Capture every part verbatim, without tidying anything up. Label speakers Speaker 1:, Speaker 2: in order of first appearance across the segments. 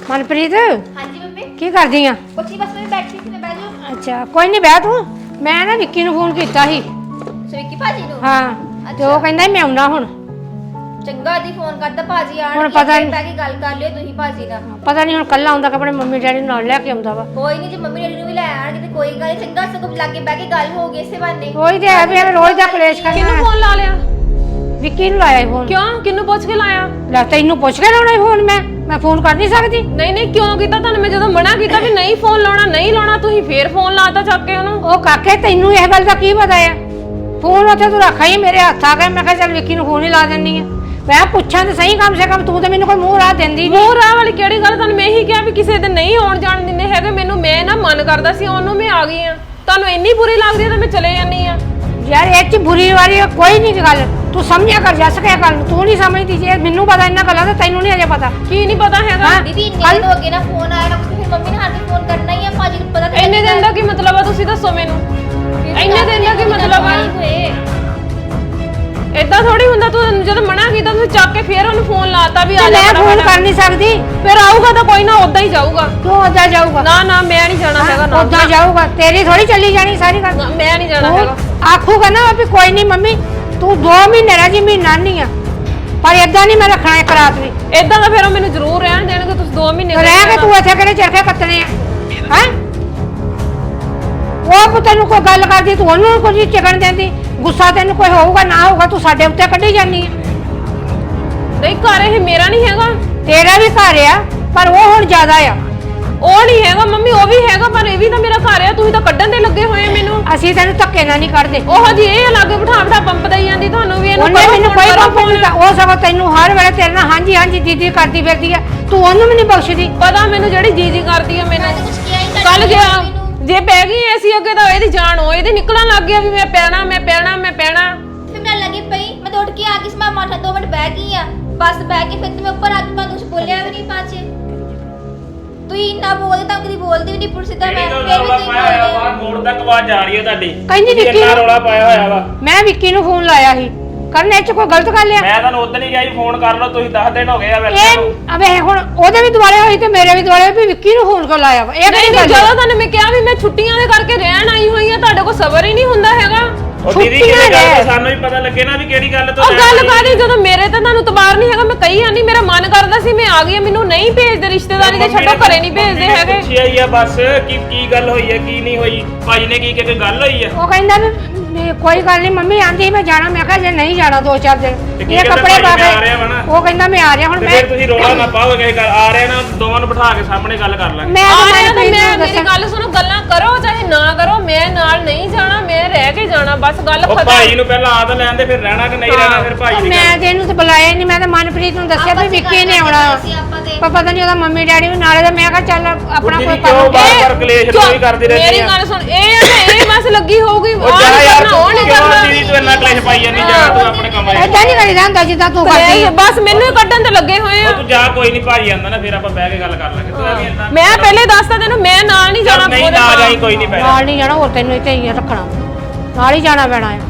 Speaker 1: मनप्रीत
Speaker 2: हाँ जी मम्मी
Speaker 1: की करदी आ?
Speaker 2: कुछ नहीं बस मैं बैठी थी मैं बैठ जाऊं।
Speaker 1: अच्छा कोई नहीं बह तू मैं ना विक्की ਨੂੰ ਫੋਨ ਕੀਤਾ ਸੀ
Speaker 2: विक्की भाजी ਨੂੰ
Speaker 1: ਹਾਂ ਤੇ ਉਹ ਕਹਿੰਦਾ ਮੈਂ ਆਉਣਾ ਹੁਣ
Speaker 2: ਚੰਗਾ ਦੀ ਫੋਨ ਕਰਦਾ ਭਾਜੀ ਆਣ
Speaker 1: ਹੁਣ ਪਤਾ ਨਹੀਂ
Speaker 2: ਪੈ ਕੇ ਗੱਲ ਕਰ ਲਿਓ ਤੁਸੀਂ ਭਾਜੀ ਨਾਲ
Speaker 1: ਪਤਾ ਨਹੀਂ ਹੁਣ ਕੱਲਾ ਆਉਂਦਾ ਕਿ ਆਪਣੇ ਮੰਮੀ ਡੈਡੀ ਨੂੰ ਨਾਲ ਲੈ ਕੇ ਆਉਂਦਾ ਵਾ
Speaker 2: ਕੋਈ ਨਹੀਂ ਜੇ ਮੰਮੀ ਡੈਡੀ ਨੂੰ ਵੀ ਲੈ ਆਣਗੇ ਤੇ ਕੋਈ ਗੱਲ ਨਹੀਂ ਚੰਗਾ ਸਗੋਂ ਲਾਗੇ ਬੈ ਕੇ ਗੱਲ ਹੋ ਗਈ ਇਸੇ ਬਹਾਨੇ
Speaker 1: ਉਹੀ ਤੇ ਹੈ ਵੀ ਐਵੇਂ ਰੋਜ਼ ਦਾ ਕਲੇਸ਼ ਕਰਨਾ
Speaker 3: ਕਿਹਨੂੰ ਫੋਨ ਲਾ ਲਿਆ
Speaker 1: ਵਿੱਕੀ ਨੂੰ ਲਾਇਆ ਫੋਨ
Speaker 3: ਕਿਉਂ ਕਿਹਨੂੰ ਪੁੱਛ ਕੇ ਲਾਇਆ
Speaker 1: ਲੈ ਤੈਨੂੰ ਪੁੱਛ ਕੇ ਲਾਉਣਾ ਫੋਨ ਮੈਂ ਮੈਂ ਫੋਨ ਕਰ ਨਹੀਂ ਸਕਦੀ
Speaker 3: ਨਹੀਂ ਨਹੀਂ ਕਿਉਂ ਕੀਤਾ ਤੁਹਾਨੂੰ ਮੈਂ ਜਦੋਂ ਮਨਾ ਕੀਤਾ ਵੀ ਨਹੀਂ ਫੋਨ ਲਾਉਣਾ ਨਹੀਂ ਲਾਉਣਾ ਤੁਸੀਂ ਫੇਰ ਫੋਨ ਲਾਤਾ ਚੱਕ ਕੇ ਉਹਨੂੰ
Speaker 1: ਉਹ ਕਾਕੇ ਤੈਨੂੰ ਇਹ ਗੱਲ ਦਾ ਕੀ ਪਤਾ ਆ ਫੋਨ ਉੱਥੇ ਤੂੰ ਰੱਖਿਆ ਹੀ ਮੇਰੇ ਹੱਥ ਆ ਗਿਆ ਮੈਂ ਕਿਹਾ ਚੱਲ ਵਿੱਕੀ ਨੂੰ ਫੋਨ ਹੀ ਲਾ ਦਿੰਨੀ ਆ ਮੈਂ ਪੁੱਛਾਂ ਤੇ ਸਹੀ ਕਮ ਸੇ ਕਮ ਤੂੰ ਤੇ ਮੈਨੂੰ ਕੋਈ ਮੂੰਹ ਰਾਹ ਦਿੰਦੀ ਨਹੀਂ
Speaker 3: ਮੂੰਹ ਰਾਹ ਵਾਲੀ ਕਿਹੜੀ ਗੱਲ ਤੁਹਾਨੂੰ ਮੈਂ ਇਹੀ ਕਿਹਾ ਵੀ ਕਿਸੇ ਦੇ ਨਹੀਂ ਆਉਣ ਜਾਣ ਦਿੰਦੇ ਹੈਗੇ ਮੈਨੂੰ ਮੈਂ ਨਾ ਮਨ ਕਰਦਾ ਸੀ ਉਹਨੂੰ ਮੈਂ ਆ ਗਈ ਆ ਤੁਹਾਨੂੰ ਇੰਨੀ ਬੁਰੀ ਲੱਗਦੀ ਤਾਂ ਮੈਂ ਚਲੇ ਜਾਂਦੀ ਆ
Speaker 1: ਯਾਰ ਇਹ ਚ ਬੁਰੀ ਵਾਲੀ ਕੋਈ ਨਹੀਂ ਗੱਲ ਤੂੰ ਸਮਝਿਆ ਕਰ ਜਾ ਸਕਿਆ ਗੱਲ ਤੂੰ ਨਹੀਂ ਸਮਝਦੀ ਜੇ ਮੈਨੂੰ ਪਤਾ ਇਹਨਾਂ ਗੱਲਾਂ ਦਾ ਤੈਨੂੰ ਨਹੀਂ ਅਜੇ ਪਤਾ
Speaker 3: ਕੀ ਨਹੀਂ ਪਤਾ ਹੈਗਾ
Speaker 2: ਦੀਦੀ ਇੰਨੇ ਦਿਨ ਹੋ ਗਏ ਨਾ ਫੋਨ ਆਇਆ ਨਾ ਫਿਰ ਮੰਮੀ ਨੇ ਹੱਥ ਫੋਨ ਕਰਨਾ ਹੀ ਆ ਭਾਜੀ ਨੂੰ ਪਤਾ
Speaker 3: ਇੰਨੇ ਦਿਨ ਦਾ ਕੀ ਮਤਲਬ ਆ ਤੁਸੀਂ ਦੱਸੋ ਮੈਨੂੰ ਇੰਨੇ ਦਿਨ ਦਾ ਕੀ ਮਤਲਬ ਆ ਏਦਾਂ ਥੋੜੀ ਹੁੰਦਾ ਤੂੰ ਜਦੋਂ ਮਨਾ ਕੀਤਾ ਤੁਸੀਂ ਚੱਕ ਕੇ ਫੇਰ ਉਹਨੂੰ ਫੋਨ ਲਾਤਾ ਵੀ ਆ ਜਾ
Speaker 1: ਮੈਂ ਫੋਨ ਕਰ ਨਹੀਂ ਸਕਦੀ
Speaker 3: ਫਿਰ ਆਊਗਾ ਤਾਂ ਕੋਈ ਨਾ ਉਦਾਂ ਹੀ ਜਾਊਗਾ
Speaker 1: ਤੂੰ ਉਦਾਂ ਜਾਊਗਾ
Speaker 3: ਨਾ ਨਾ ਮੈਂ ਨਹੀਂ ਜਾਣਾ ਹੈਗਾ ਨਾ
Speaker 1: ਉਦਾਂ ਜਾਊਗਾ ਤੇਰੀ ਥੋੜੀ ਚੱਲੀ ਜਾਣੀ ਸਾਰੀ ਗੱਲ
Speaker 3: ਨਾ, ਮੈਂ ਨਹੀਂ ਜਾਣਾ ਹੈਗਾ
Speaker 1: ਆਖੂਗਾ ਨਾ ਵੀ ਕੋਈ ਨਹੀਂ ਮੰਮੀ ਤੂੰ ਦੋ ਮਹੀਨੇ ਰਹਿ ਜੀ ਮਹੀਨਾ ਨਹੀਂ ਆ ਪਰ ਏਦਾਂ ਨਹੀਂ ਮੈਂ ਰੱਖਣਾ ਇੱਕ ਰਾਤ ਵੀ
Speaker 3: ਏਦਾਂ ਤਾਂ ਫਿਰ ਉਹ ਮੈਨੂੰ ਜ਼ਰੂਰ ਰਹਿਣ ਦੇਣਗੇ ਤੁਸੀਂ ਦੋ ਮਹੀਨੇ
Speaker 1: ਰਹਿ ਕੇ ਤੂੰ ਇੱਥੇ ਕਿਹੜੇ ਚਰਖੇ ਕੱਤਣੇ ਆ ਹੈ ਉਹ ਤੈਨੂੰ ਕੋਈ ਗੱਲ ਕਰਦੀ ਤੂੰ ਉਹਨੂੰ ਕੁਝ ਚਿਕਣ ਦਿੰਦੀ ਗੁੱਸਾ ਤੈਨੂੰ ਕੋਈ ਹੋਊਗਾ ਨਾ ਹੋਊਗਾ ਤੂੰ ਸਾਡੇ ਉੱਤੇ ਕੱਢੀ ਜਾਨੀ ਆ
Speaker 3: ਨਹੀਂ ਘਰ ਇਹ ਮੇਰਾ ਨਹੀਂ ਹੈਗਾ
Speaker 1: ਤੇਰਾ ਵੀ ਘਰ ਆ ਪਰ ਉਹ ਹੁਣ ਜ਼ਿਆਦਾ ਆ
Speaker 3: ਉਹ ਨਹੀਂ ਹੈਗਾ ਮੰਮੀ ਉਹ ਵੀ ਹੈਗਾ ਪਰ ਇਹ ਵੀ ਤਾਂ ਮੇਰਾ ਘਰ ਆ ਤੁਸੀਂ ਤਾਂ ਕੱਢਣ ਦੇ ਲੱਗੇ ਹੋਏ ਮੈਨੂੰ
Speaker 1: ਅਸੀਂ ਤੈਨੂੰ ਧੱਕੇ ਨਾਲ ਨਹੀਂ ਕੱਢਦੇ
Speaker 3: ਉਹ ਜੀ ਇਹ ਲਾਗੇ ਬਿਠਾ ਬਿਠਾ ਪੰਪ ਦਈ ਜਾਂਦੀ ਤੁਹਾਨੂੰ ਵੀ ਇਹਨੂੰ
Speaker 1: ਉਹਨੇ ਮੈਨੂੰ ਕੋਈ ਪੰਪ ਨਹੀਂ ਦਿੱਤਾ ਉਹ ਸਗੋਂ ਤੈਨੂੰ ਹਰ ਵੇਲੇ ਤੇਰੇ ਨਾਲ ਹਾਂਜੀ ਹਾਂਜੀ ਦੀਦੀ ਕਰਦੀ ਫਿਰਦੀ ਆ ਤੂੰ ਉਹਨੂੰ ਵੀ ਨਹੀਂ ਬਖਸ਼ਦੀ
Speaker 3: ਪਤਾ ਮੈਨੂੰ ਜਿਹੜੀ ਜੀ ਜੀ ਕਰਦੀ ਆ ਮੈਨੂੰ
Speaker 2: ਕੁਝ ਕਿਹਾ ਹੀ
Speaker 3: ਕੱਲ ਗਿਆ ਜੇ ਪੈ ਗਈ ਐਸੀ ਅੱਗੇ ਤਾਂ ਇਹਦੀ ਜਾਨ ਹੋ ਇਹਦੇ ਨਿਕਲਣ ਲੱਗ ਗਿਆ ਵੀ ਮੈਂ ਪੈਣਾ ਮੈਂ ਪੈਣਾ ਮੈਂ ਪੈਣਾ
Speaker 2: ਫਿਰ ਮੈਂ ਲੱਗੀ ਪਈ ਮੈਂ ਉੱਠ ਕੇ ਆ ਗਈ ਸੀ ਮੈਂ ਮਾਠਾ ਦੋ ਮਿੰਟ ਬਹਿ ਗਈ ਆ ਬਸ ਬਹਿ ਕੇ ਫਿਰ ਤੇ ਮੈਂ ਉੱਪਰ ਆ ਕੇ ਕੁਝ ਬੋਲਿਆ ਵੀ ਨਹੀਂ ਪਾਛੇ ਤੂੰ ਇੰਨਾ ਬੋਲਦੇ ਤਾਂ ਕਦੀ ਬੋਲਦੀ ਵੀ ਨਹੀਂ ਪੁਰ ਸਿੱਧਾ ਮੈਂ ਫਿਰ ਵੀ ਤੂੰ
Speaker 4: ਪਾਇਆ ਹੋਇਆ ਮੋੜ ਤੱਕ ਆਵਾਜ਼ ਆ ਰਹੀ ਹੈ ਤੁਹਾਡੀ
Speaker 1: ਕਹਿੰਦੀ ਵਿੱਕੀ
Speaker 4: ਇੰਨਾ ਰੌਲਾ ਪਾਇਆ ਹੋਇਆ ਵਾ
Speaker 1: ਮੈਂ ਵਿੱਕੀ ਨੂੰ ਫੋਨ ਲਾਇਆ ਸੀ ਕਰਨ ਇਹ ਚ ਕੋਈ ਗਲਤ ਗੱਲ ਆ
Speaker 4: ਮੈਂ ਤੁਹਾਨੂੰ ਉਦੋਂ ਹੀ ਕਿਹਾ ਸੀ ਫੋਨ ਕਰ ਲਓ ਤੁਸੀਂ ਦਸ ਦਿਨ ਹੋ ਗਏ ਆ ਵੈਸੇ
Speaker 1: ਇਹ ਅਬੇ ਹੁਣ ਉਹਦੇ ਵੀ ਦੁਆਲੇ ਹੋਈ ਤੇ ਮੇਰੇ ਵੀ ਦੁਆਲੇ ਵੀ ਵਿੱਕੀ ਨੂੰ ਫੋਨ ਕਰ ਲਾਇਆ ਵਾ ਇਹ
Speaker 3: ਨਹੀਂ
Speaker 1: ਕਿਹੜੀ
Speaker 3: ਨਹੀਂ
Speaker 1: ਗੱਲ
Speaker 3: ਜਦੋਂ ਤੁਹਾਨੂੰ ਮੈਂ ਕਿਹਾ ਵੀ ਮੈਂ ਛੁੱਟੀਆਂ ਦੇ ਕਰਕੇ ਰਹਿਣ ਆਈ ਹੋਈ ਆ ਤੁਹਾਡੇ ਕੋਲ ਸਬਰ ਹੀ ਨਹੀਂ ਹੁੰਦਾ ਹੈਗਾ
Speaker 4: ਉਹ ਦੀਦੀ ਕਿਹੜੀ ਗੱਲ ਤੋਂ ਸਾਨੂੰ ਵੀ ਪਤਾ ਲੱਗੇ ਨਾ ਵੀ ਕਿਹੜੀ ਗੱਲ ਤੋਂ
Speaker 3: ਉਹ ਗੱਲ ਕਾਦੀ ਜਦੋਂ ਮੇਰੇ ਤੇ ਤੁਹਾਨੂੰ ਤਬਾਰ ਨਹੀਂ ਹੈਗਾ ਮੈਂ ਕਹੀ ਆਨੀ ਮੇਰਾ ਮਨ ਕਰਦਾ ਸੀ ਮੈਂ ਆ ਗਈ ਮੈਨੂੰ ਨਹੀਂ ਭੇਜਦੇ ਰਿਸ਼ਤੇਦਾਰੀ ਦੇ ਛੱਡੋ ਘਰੇ ਨਹੀਂ ਭੇਜਦੇ ਹੈਗੇ
Speaker 4: ਪੁੱਛਿਆ ਹੀ ਆ ਬਸ ਕੀ ਕੀ ਗੱਲ ਹੋਈ ਹੈ ਕੀ ਨਹੀਂ ਹੋਈ ਭਾਜੀ ਨੇ ਕੀ ਕਿ ਕੋਈ ਗੱਲ ਹੋਈ ਆ
Speaker 1: ਉਹ ਕਹਿੰਦਾ ਵੀ ਕੋਈ ਗੱਲ ਨਹੀਂ ਮੰਮੀ ਆਂਦੀ ਮੈਂ ਜਾਣਾ ਮੈਂ ਕਿਹਾ ਜੇ ਨਹੀਂ ਜਾਣਾ ਦੋ ਚਾਰ ਦਿਨ ਇਹ ਕੱਪੜੇ ਪਾ ਕੇ ਉਹ ਕਹਿੰਦਾ ਮੈਂ ਆ ਰਿਹਾ ਹੁਣ ਮੈਂ
Speaker 4: ਫਿਰ ਤੁਸੀਂ ਰੋਲਾ ਨਾ ਪਾਓ ਕਿਸੇ ਗੱਲ ਆ ਰਹੇ ਨਾ ਦੋਵਾਂ ਨੂੰ ਬਿਠਾ ਕੇ ਸਾਹਮਣੇ ਗੱਲ ਕਰ ਲਾਂਗੇ
Speaker 1: ਮੈਂ
Speaker 3: ਆ ਰਿਹਾ ਤੇ ਮੈਂ ਮੇਰੀ ਗੱਲ ਸੁਣੋ ਗੱਲਾਂ ਕਰੋ ਚਾਹੇ ਨਾ ਕਰੋ ਮੈਂ ਨਾਲ ਨਹੀਂ ਜਾਣਾ ਮੈਂ ਰਹਿ ਕੇ ਜਾਣਾ ਬਸ ਗੱਲ
Speaker 4: ਉਹ
Speaker 3: ਖਤਮ
Speaker 4: ਭਾਈ ਨੂੰ ਪਹਿਲਾਂ ਆਦ ਲੈਣ ਦੇ ਫਿਰ ਰਹਿਣਾ ਕਿ ਨਹੀਂ ਰਹਿਣਾ ਫਿਰ ਭਾਈ ਦੀ
Speaker 1: ਮੈਂ ਤੇ ਇਹਨੂੰ ਤੇ ਬੁਲਾਇਆ ਨਹੀਂ ਮੈਂ ਤਾਂ ਮਨਪ੍ਰੀਤ ਨੂੰ ਦੱਸਿਆ ਵੀ ਵਿੱਕੀ ਨੇ ਆਉਣਾ ਪਰ ਪਤਾ ਨਹੀਂ ਉਹਦਾ ਮੰਮੀ ਡੈਡੀ ਵੀ ਨਾਲੇ ਦਾ ਮੈਂ ਕਿਹਾ ਚੱਲ ਆਪਣਾ ਕੋਈ
Speaker 4: ਕਿਉਂ ਬਾਰ ਬਾਰ ਕਲੇਸ਼ ਕੋਈ ਕਰਦੀ ਰਹਿੰਦੀ
Speaker 3: ਮੇਰੀ ਗੱਲ ਸੁਣ ਇਹ ਤੇ ਇਹ ਬਸ ਲੱਗੀ ਹੋਊਗੀ
Speaker 4: ਉਹ ਜਾ ਯਾਰ ਉਹ ਨਹੀਂ ਕਰਨਾ ਦੀਦੀ ਤੂੰ ਇੰਨਾ ਕਲੇਸ਼ ਪਾਈ ਜਾਂਦੀ ਜਾ ਤੂੰ ਆਪਣੇ ਕੰਮ ਆ
Speaker 1: ਏਦਾਂ ਨਹੀਂ ਕਰੀਦਾ ਹੁੰਦਾ ਜਿੱਦਾਂ ਤੂੰ ਕਰਦੀ ਆ
Speaker 3: ਬਸ ਮੈਨੂੰ ਹੀ ਕੱਢਣ ਤੇ ਲੱਗੇ ਹੋਏ ਆ
Speaker 4: ਤੂੰ ਜਾ ਕੋਈ ਨਹੀਂ ਭਾਜੀ ਆਂਦਾ ਨਾ ਫਿਰ ਆਪਾਂ ਬਹਿ ਕੇ ਗੱਲ ਕਰ ਲਾਂਗੇ ਤੂੰ ਐਵੇਂ ਇੰਨਾ
Speaker 3: ਮੈਂ ਪਹਿਲੇ ਦੱਸਦਾ ਤੈਨੂੰ ਮੈਂ ਨਾਲ ਨਹੀਂ ਜਾਣਾ
Speaker 4: ਨਹੀਂ ਨਾ ਜਾਈ ਕੋਈ ਨਹੀਂ ਪੈਣਾ
Speaker 1: ਨਾਲ ਨਹੀਂ ਜਾਣਾ ਹੋਰ ਤੈਨੂੰ ਇੱਥੇ ਹੀ ਰੱਖਣਾ ਨਾਲ ਹੀ ਜਾਣਾ ਪੈਣਾ ਆ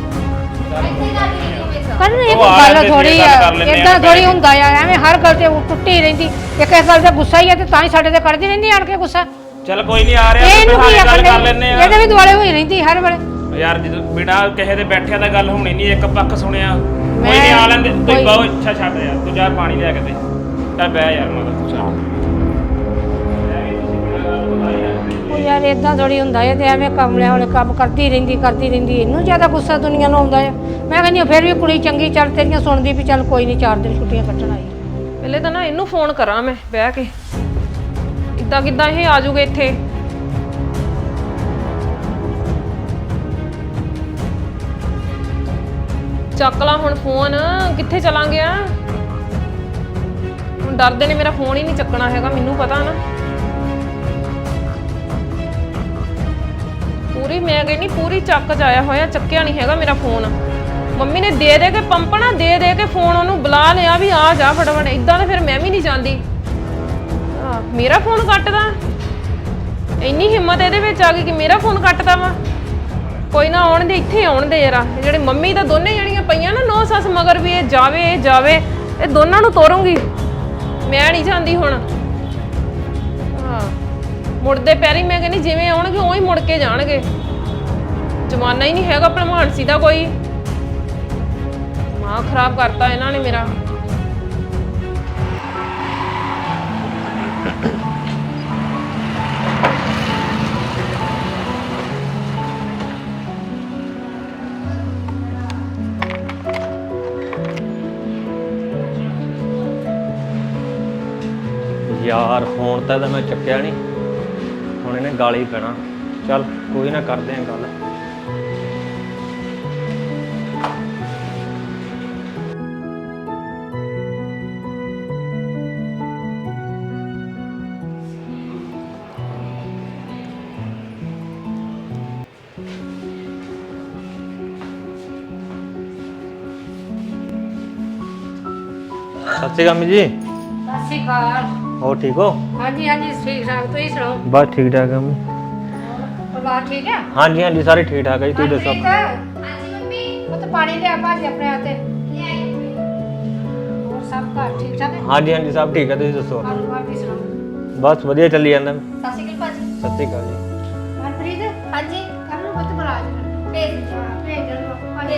Speaker 1: ਕਰਨ ਇਹ
Speaker 4: ਉਹ ਆ
Speaker 1: ਗੱਲ
Speaker 4: ਲੈਂਦੇ
Speaker 1: ਥੋੜੀ
Speaker 4: ਸੀ,
Speaker 1: ਆ
Speaker 4: ਗੱਲ ਕਰ ਲੈਂਦੇ
Speaker 1: ਇਦਾਂ
Speaker 4: ਆ,
Speaker 1: ਥੋੜੀ ਹੁੰਦਾ ਆ ਐਵੇਂ ਹਰ ਗੱਲ ਤੇ ਟੁੱਟੀ ਰਹਿੰਦੀ ਇੱਕ ਇਸ ਗੱਲ ਦਾ ਗੁੱਸਾ ਹੀ ਆ ਤੇ ਤਾਂ ਹੀ ਸਾਡੇ ਤੇ ਕਰਦੀ ਰਹਿੰਦੀ ਆਣ ਕੇ ਗੁੱਸਾ
Speaker 4: ਚੱਲ ਕੋਈ ਨਹੀਂ ਆ ਰਿਹਾ
Speaker 1: ਇਹਨੂੰ ਕੀ
Speaker 4: ਗੱਲ ਕਰ
Speaker 1: ਆਪਣੇ
Speaker 4: ਲੈਨੇ ਆ
Speaker 1: ਇਹਦੇ ਵੀ ਦੁਆਲੇ ਹੋਈ ਰਹਿੰਦੀ ਹਰ ਵੇਲੇ
Speaker 4: ਯਾਰ ਜਦੋਂ ਬਿਨਾ ਕਿਸੇ ਦੇ ਬੈਠਿਆ ਤਾਂ ਗੱਲ ਹੋਣੀ ਨਹੀਂ ਇੱਕ ਪੱਖ ਸੁਣਿਆ ਕੋਈ ਨਹੀਂ ਆ ਲੈਂਦੇ ਤੂੰ ਬਹੁਤ ਅੱਛਾ ਛੱਡ ਯਾਰ ਤੂੰ ਜਾ ਪਾਣੀ ਲੈ ਕੇ ਦੇ ਚੱਲ ਬਹਿ ਯਾਰ ਮਗਰ ਤੂੰ ਚੱਲ
Speaker 1: ਉਹ ਯਾਰ ਇਦਾਂ ਥੋੜੀ ਹੁੰਦਾ ਹੈ ਤੇ ਐਵੇਂ ਕਮਲਿਆਂ ਵਾਲੇ ਕੰਮ ਕਰਦੀ ਰਹਿੰਦੀ ਕਰਦੀ ਰਹਿੰਦੀ ਇਹਨੂੰ ਜ਼ਿਆਦਾ ਗੁੱਸਾ ਦੁਨੀਆ ਨੂੰ ਆਉਂਦਾ ਆ ਮੈਂ ਕਹਿੰਦੀ ਹਾਂ ਫਿਰ ਵੀ ਕੁੜੀ ਚੰਗੀ ਚੱਲ ਤੇਰੀਆਂ ਸੁਣਦੀ ਵੀ ਚੱਲ ਕੋਈ ਨਹੀਂ ਚਾਰ ਦਿਨ ਛੁੱਟੀਆਂ ਕੱਟਣ ਆਈ
Speaker 3: ਪਹਿਲੇ ਤਾਂ ਨਾ ਇਹਨੂੰ ਫੋਨ ਕਰਾਂ ਮੈਂ ਬਹਿ ਕੇ ਇਦਾਂ ਕਿਦਾਂ ਇਹ ਆ ਜਾਊਗੇ ਇੱਥੇ ਚੱਕ ਲਾ ਹੁਣ ਫੋਨ ਕਿੱਥੇ ਚਲਾ ਗਿਆ ਹੁਣ ਡਰਦੇ ਨੇ ਮੇਰਾ ਫੋਨ ਹੀ ਨਹੀਂ ਚੱਕਣਾ ਹੈਗਾ ਮੈਨੂੰ ਪਤਾ ਨਾ ਪੂਰੀ ਮੈਂ ਕਹਿੰਦੀ ਪੂਰੀ ਚੱਕ ਚ ਆਇਆ ਹੋਇਆ ਚੱਕਿਆ ਨਹੀਂ ਹੈਗਾ ਮੇਰਾ ਫੋਨ ਮੰਮੀ ਨੇ ਦੇ ਦੇ ਕੇ ਪੰਪਣਾ ਦੇ ਦੇ ਕੇ ਫੋਨ ਉਹਨੂੰ ਬੁਲਾ ਲਿਆ ਵੀ ਆ ਜਾ ਫਟਾਫਟ ਇਦਾਂ ਤਾਂ ਫਿਰ ਮੈਂ ਵੀ ਨਹੀਂ ਜਾਂਦੀ ਆ ਮੇਰਾ ਫੋਨ ਕੱਟਦਾ ਇੰਨੀ ਹਿੰਮਤ ਇਹਦੇ ਵਿੱਚ ਆ ਗਈ ਕਿ ਮੇਰਾ ਫੋਨ ਕੱਟਦਾ ਵਾ ਕੋਈ ਨਾ ਆਉਣ ਦੇ ਇੱਥੇ ਆਉਣ ਦੇ ਯਾਰਾ ਜਿਹੜੇ ਮੰਮੀ ਤਾਂ ਦੋਨੇ ਜਣੀਆਂ ਪਈਆਂ ਨਾ ਨੌ ਸੱਸ ਮਗਰ ਵੀ ਇਹ ਜਾਵੇ ਇਹ ਜਾਵੇ ਇਹ ਦੋਨਾਂ ਨੂੰ ਤੋਰੂੰਗੀ ਮੈਂ ਨਹੀਂ ਜਾਂਦੀ ਹੁਣ ਮੁੜਦੇ ਪੈਰੀ ਮੈਂ ਕਹਿੰਦੀ ਜਿਵੇਂ ਆਉਣਗੇ ਉਵੇਂ ਹੀ ਮੁੜ ਕੇ ਜਾਣਗੇ। ਜ਼ਮਾਨਾ ਹੀ ਨਹੀਂ ਹੈਗਾ ਭਲਮਾਨਸੀ ਦਾ ਕੋਈ। ਮਾਂ ਖਰਾਬ ਕਰਤਾ ਇਹਨਾਂ ਨੇ ਮੇਰਾ।
Speaker 5: ਯਾਰ ਫੋਨ ਤਾਂ ਇਹਦਾ ਮੈਂ ਚੱਕਿਆ ਨਹੀਂ, ਹੁਣ ਇਹਨੇ ਗਾਲੀ ਪੈਣਾ। ਚੱਲ ਕੋਈ ਨਾ, ਕਰਦੇ ਆਂ ਗੱਲ। ਸਤਿ ਸ਼੍ਰੀ ਅਕਾਲ ਅੰਮੀ ਜੀ।
Speaker 1: ਸਤਿ ਸ਼੍ਰੀ ਅਕਾਲ।
Speaker 5: ਹੋਰ ਠੀਕ ਹੋ?
Speaker 1: ਹਾਂਜੀ ਹਾਂਜੀ ਠੀਕ ਠਾਕ, ਤੁਸੀਂ ਸੁਣਾਓ?
Speaker 5: ਬਸ ਠੀਕ ਠਾਕ ਆ ਅੰਮੀ।
Speaker 1: ਪਰਿਵਾਰ ਠੀਕ ਹੈ?
Speaker 5: ਹਾਂਜੀ ਹਾਂਜੀ ਸਾਰੇ ਠੀਕ ਠਾਕ ਆ ਜੀ, ਤੁਸੀਂ ਦੱਸੋ?
Speaker 1: ਮਨਪ੍ਰੀਤ,
Speaker 2: ਹਾਂਜੀ ਮੰਮੀ
Speaker 1: ਉਹ ਤਾਂ ਪਾਣੀ ਲਿਆ ਭਾਜੀ ਆਪਣੇ ਹੱਥੇ।
Speaker 2: ਲੈ ਆਈ ਮੰਮੀ।
Speaker 1: ਹੋਰ ਸਭ ਘਰ ਠੀਕ ਠਾਕ ਹੈ?
Speaker 5: ਹਾਂਜੀ ਹਾਂਜੀ ਸਭ ਠੀਕ ਆ, ਤੁਸੀਂ ਦੱਸੋ?
Speaker 1: ਪਰਿਵਾਰ ਦੀ ਸੁਣਾਓ?
Speaker 5: ਬਸ ਵਧੀਆ ਚੱਲੀ ਜਾਂਦਾ।
Speaker 2: ਸਤਿ ਸ਼੍ਰੀ ਅਕਾਲ ਭਾਜੀ।
Speaker 5: ਸਤਿ ਸ਼੍ਰੀ ਅਕਾਲ ਜੀ।
Speaker 1: ਮਨਪ੍ਰੀਤ
Speaker 2: ਹਾਂਜੀ
Speaker 1: ਕਰ ਲਓ ਬੱਤ ਬੁਲਾ ਜੀ।
Speaker 2: ਭੇਜ ਦਿਓ।
Speaker 1: ਹਾਂ ਭੇਜ ਦਿਓ ਪਾਣੀ।